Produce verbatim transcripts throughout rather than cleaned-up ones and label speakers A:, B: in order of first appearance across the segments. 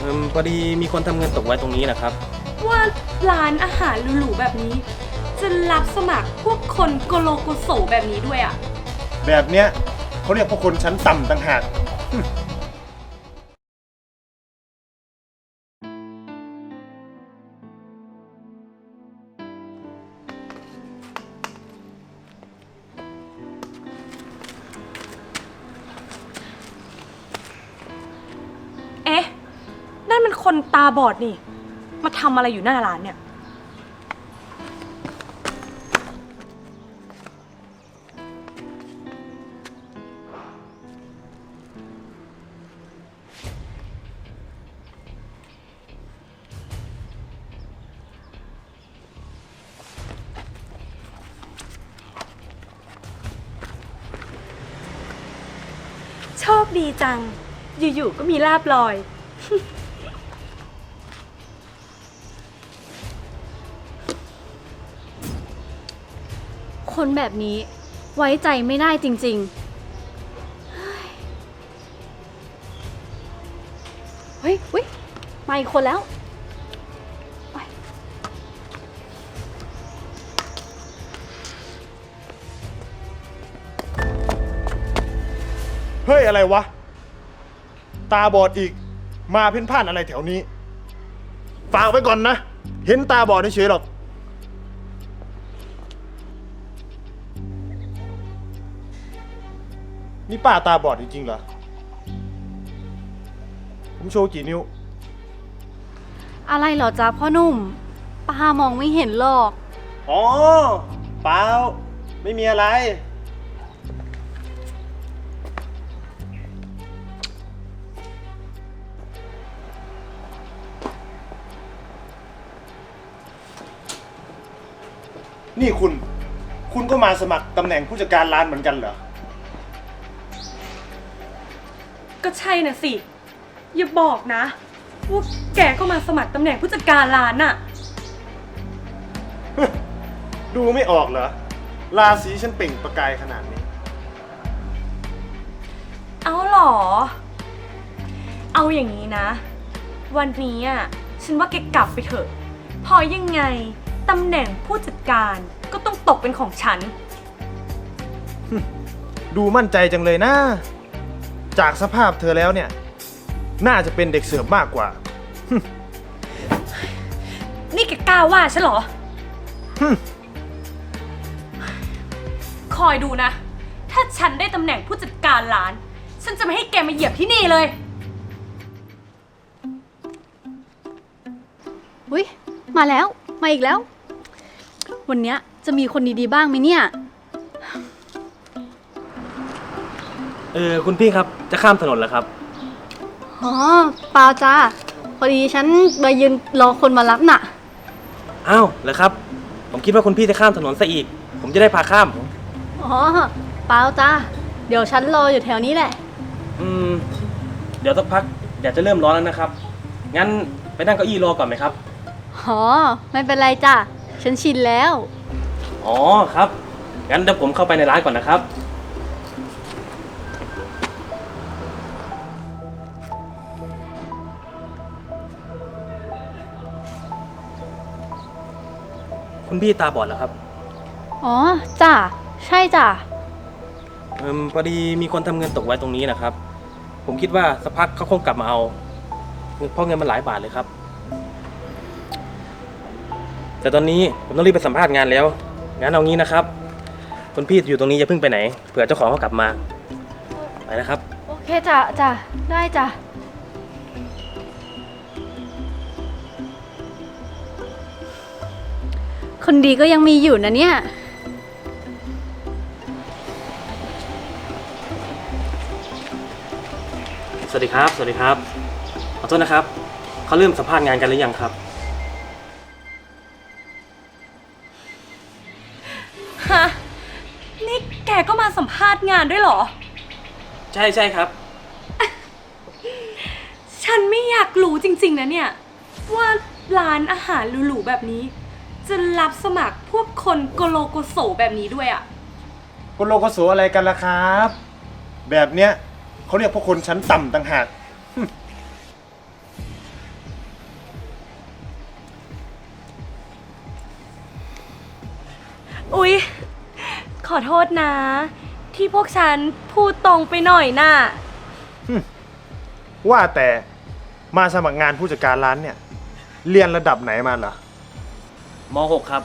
A: อืมพอดีมีคนทำเงินตกไว้ตรงนี้นะครับ
B: ว่าร้านอาหารหรูๆแบบนี้ จะรับสมัครพวกคนโกโลโกโสแบบนี้ด้วยอ่ะ
C: แบบเนี้ยเขาเรียกพวกคนชั้นต่ำต่างหาก
B: เอ๊ะนั่นมันคนตาบอดนี่มาทำอะไรอยู่หน้าร้านเนี่ยโชคดีจังอยู่ๆก็มีลาบลอย
D: คนแบบนี้ไว้ใจไม่ได้จริงๆ เฮ้ยเฮ้ยมาอีกคนแล้ว
C: เฮ้ยอะไรวะตาบอดอีกมาเพ่นพ่านอะไรแถวนี้ฝากไว้ก่อนนะเห็นตาบอดเฉยๆหรอกนี่ป้าตาบอดจริงๆเหรอผมโชว์กี่นิ้ว
D: อะไรเหรอจ๊ะพ่อหนุ่มป้ามองไม่เห็นหรอก
C: อ๋อเปล่าไม่มีอะไรนี่คุณ คุณก็มาสมัครตำแหน่งผู้จัดการร้านเหมือนกันเหรอ
B: ก็ใช่น่ะสิอย่าบอกนะว่าแกก็มาสมัครตำแหน่งผู้จัดการร้านน่ะ
C: ดูไม่ออกเหรอ ราศีฉันเปล่งประกายขนาดนี้
B: เอาเหรอ เอาอย่างนี้นะ วันนี้อ่ะฉันว่าแกกลับไปเถอะพอยังไงตำแหน่งผู้จัดการก็ต้องตกเป็นของฉัน
C: ดูมั่นใจจังเลยนะ จากสภาพเธอแล้วเนี่ย น่าจะเป็นเด็กเสิร์ฟมากกว่า
B: นี่แกกล้าว่าฉันเหรอ คอยดูนะ ถ้าฉันได้ตำแหน่งผู้จัดการร้าน ฉันจะไม่ให้แกมาเหยียบที่นี่เลย
D: อุ้ยมาแล้วมาอีกแล้ว วันเนี้ยจะมีคนดีๆบ้างไหมเนี่ย
A: เออคุณพี่ครับจะข้ามถนนแล้วครับ
D: อ๋อเปล่าจ้าพอดีฉันมายืนรอคนมารับน่ะ
A: อ้าวเหรอครับผมคิดว่าคุณพี่จะข้ามถนนซะอีกผมจะได้พาข้าม
D: อ๋อเปล่าจ้าเดี๋ยวฉันรออยู่แถวนี้แหละ
A: อืมเดี๋ยวสักพักเดี๋ยวจะเริ่มร้อนแล้วนะครับงั้นไปนั่งเก้าอี้รอก่อนไหมครับ
D: อ๋อไม่เป็นไรจ้ะฉันชินแล้ว
A: อ๋อครับงั้นเดี๋ยวผมเข้าไปในร้านก่อนนะครับคุณพี่ตาบอดเหรอครับ
D: อ๋อจ้ะใช่จ้ะ
A: เอืมพอดีมีคนทำเงินตกไว้ตรงนี้นะครับผมคิดว่าสักพักเขาคงกลับมาเอาเพราะเงินมันหลายบาทเลยครับแต่ตอนนี้ผมต้องรีบไปสัมภาษณ์งานแล้วงั้นเอางี้นะครับคุณพี่อยู่ตรงนี้อย่าเพิ่งไปไหนเผื่อเจ้าของเขากลับมาไปนะครับ
D: โอเคจ้ะจ้ะได้จ้ะคนดีก็ยังมีอยู่นะเนี่ย
A: สวัสดีครับสวัสดีครับขอโทษนะครับเขาเริ่มสัมภาษณ์งานกันหรือยังครับ
B: ฮะ นี่แกก็มาสัมภาษณ์งานด้วยเหรอ
A: ใช่ใช่ครับ
B: ฉันไม่อยากรู้จริงๆนะเนี่ย ว่าร้านอาหารหรูๆแบบนี้ จะรับสมัครพวกคนโกโลโกโสแบบนี้ด้วยอ่ะ
C: โกโลโกโสอะไรกันล่ะครับ แบบเนี้ยเขาเรียกพวกคนชั้นต่ำต่างหาก
B: อุ๊ย ขอโทษนะ ที่พวกฉันพูดตรงไปหน่อยน่ะ
C: ว่าแต่มาสมัครงานผู้จัดการร้านเนี่ย เรียนระดับไหนมาเหรอ
A: ม หก ครับ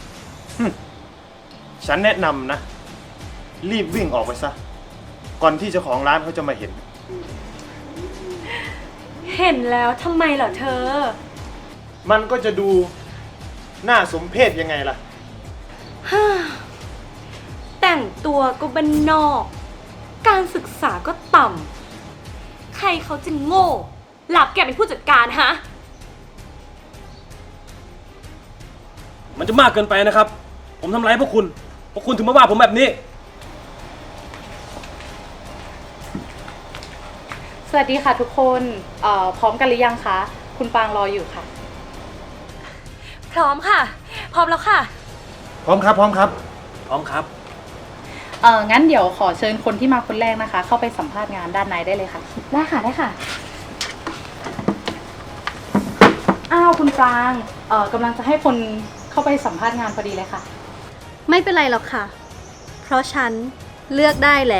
C: ฉันแนะนำนะ รีบวิ่งออกไปซะ ก่อนที่เจ้าของร้านเขาจะมาเห็น
B: เห็นแล้วทำไมเหรอเธอ
C: มันก็จะดูน่าสมเพชยังไงล่ะ
B: แต่งตัวก็บ้านนอก การศึกษาก็ต่ำ ใครเขาจะโง่หลับแกเป็นผู้จัดการฮะ
A: มันจะมากเกินไปนะครับ ผมทำร้ายพวกคุณ พวกคุณถึงมาว่าผมแบบนี้
D: สวัสดีค่ะทุกคนเอ่อพร้อมกันหรือยังคะ คุณปางรออยู่ค่ะ
B: พร้อมค่ะ พร้อมแล้วค่ะ
C: พร้อมครับ พร้อมครับ
A: พร้อมครับ
D: เอองั้นเดี๋ยวขอเชิญคนที่มาคนแรกนะคะ เข้าไปสัมภาษณ์งานด้านในได้เลยค่ะ ได้ค่ะ ได้ค่ะ อ้าวคุณปรางเอ่อกำลังจะให้คนเข้าไปสัมภาษณ์งานพอดีเลยค่ะ
E: ไม่เป็นไรหรอกค่ะ เพราะฉันเลือกได้แล้ว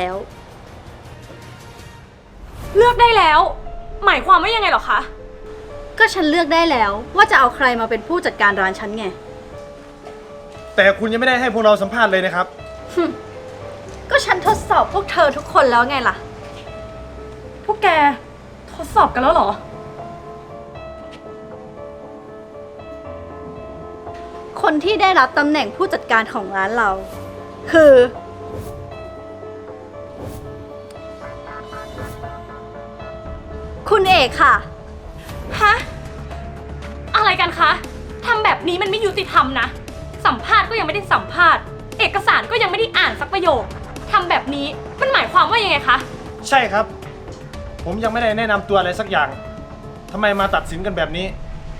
B: เลือกได้แล้ว หมายความว่ายังไงเหรอคะ
E: ก็ฉันเลือกได้แล้วว่าจะเอาใครมาเป็นผู้จัดการร้านฉันไง
C: แต่คุณยังไม่ได้ให้พวกเราสัมภาษณ์เลยนะครับ
E: ก็ฉันทดสอบพวกเธอทุกคนแล้วไงล่ะ
B: พวกแกทดสอบกันแล้วเหรอ
E: คนที่ได้รับตำแหน่งผู้จัดการของร้านเรา คือ คุณเอกค่ะ
B: ฮะ อะไรกันคะ ทำแบบนี้มันไม่ยุติธรรมนะ สัมภาษณ์ก็ยังไม่ได้สัมภาษณ์ เอกสารก็ยังไม่ได้อ่านสักประโยค ทำแบบนี้มันหมายความว่ายังไงคะ
C: ใช่ครับ ผมยังไม่ได้แนะนำตัวอะไรสักอย่างทำไมมาตัดสินกันแบบนี้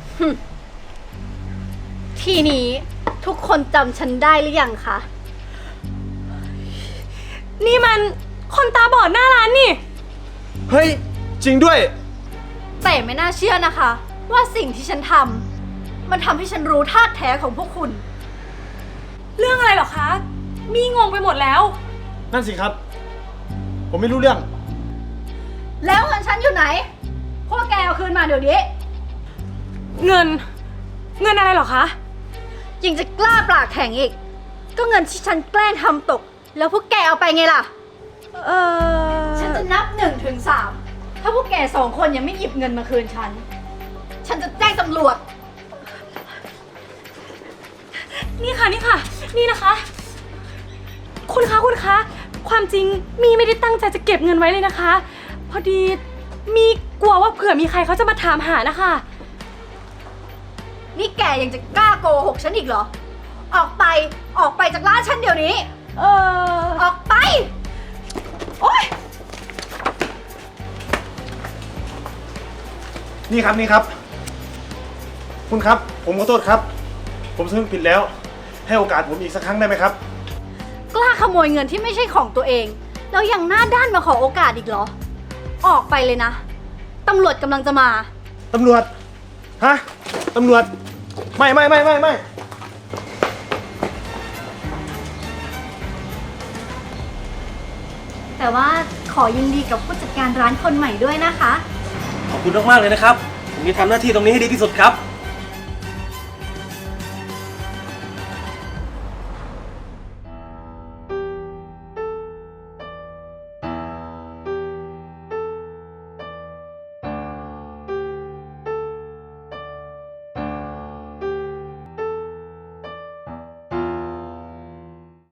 E: ทีนี้ทุกคนจำฉันได้หรือยังคะ
B: นี่มันคนตาบอดหน้าร้านนี่
C: เฮ้ย จริงด้วย
E: แต่ไม่น่าเชื่อนะคะ ว่าสิ่งที่ฉันทำมันทำให้ฉันรู้ท่าแท้ของพวกคุณ
B: เรื่องอะไรเหรอคะ มีงงไปหมดแล้ว
C: นั่นสิครับ ผมไม่รู้เรื่อง
E: แล้วเงินฉันอยู่ไหน พวกแกเอาคืนมาเดี๋ยวนี้
B: เงิน เงินอะไรเหรอคะ
E: ยังจะกล้าปากแข็งอีก ก็เงินที่ฉันแกล้งทำตก แล้วพวกแกเอาไปไงล่ะ
B: เออ
E: ฉันจะนับหนึ่งถึงสามถ้าพวกแกสองคนยังไม่หยิบเงินมาคืนฉัน ฉันจะแจ้งตำรวจ
B: นี่ค่ะนี่ค่ะ นี่นะคะ คุณคะคุณคะ ความจริงมีไม่ได้ตั้งใจจะเก็บเงินไว้เลยนะคะ พอดีมีกลัวว่าเผื่อมีใครเขาจะมาถามหานะคะ
E: นี่แกยังจะกล้าโกหกฉันอีกเหรอ ออกไป ออกไปจากร้านฉันเดี๋ยวนี้
B: เออ
E: ออกไป
B: โอ๊ย
C: นี่ครับนี่ครับ คุณครับ ผมขอโทษครับ ผมสำนึกผิดแล้ว ให้โอกาสผมอีกสักครั้งได้ไหมครับ
E: กล้าขโมยเงินที่ไม่ใช่ของตัวเอง แล้วยังหน้าด้านมาขอโอกาสอีกเหรอ ออกไปเลยนะ ตำรวจกำลังจะมา
C: ตำรวจ ฮะ ตำรวจ ไม่ไม่ไม่ไม่ไม่
E: แต่ว่าขอยินดีกับผู้จัดการร้านคนใหม่ด้วยนะคะ
A: ขอบคุณมากๆเลยนะครับ ผมจะทำหน้าที่ตรงนี้ให้ดีที่สุดครับ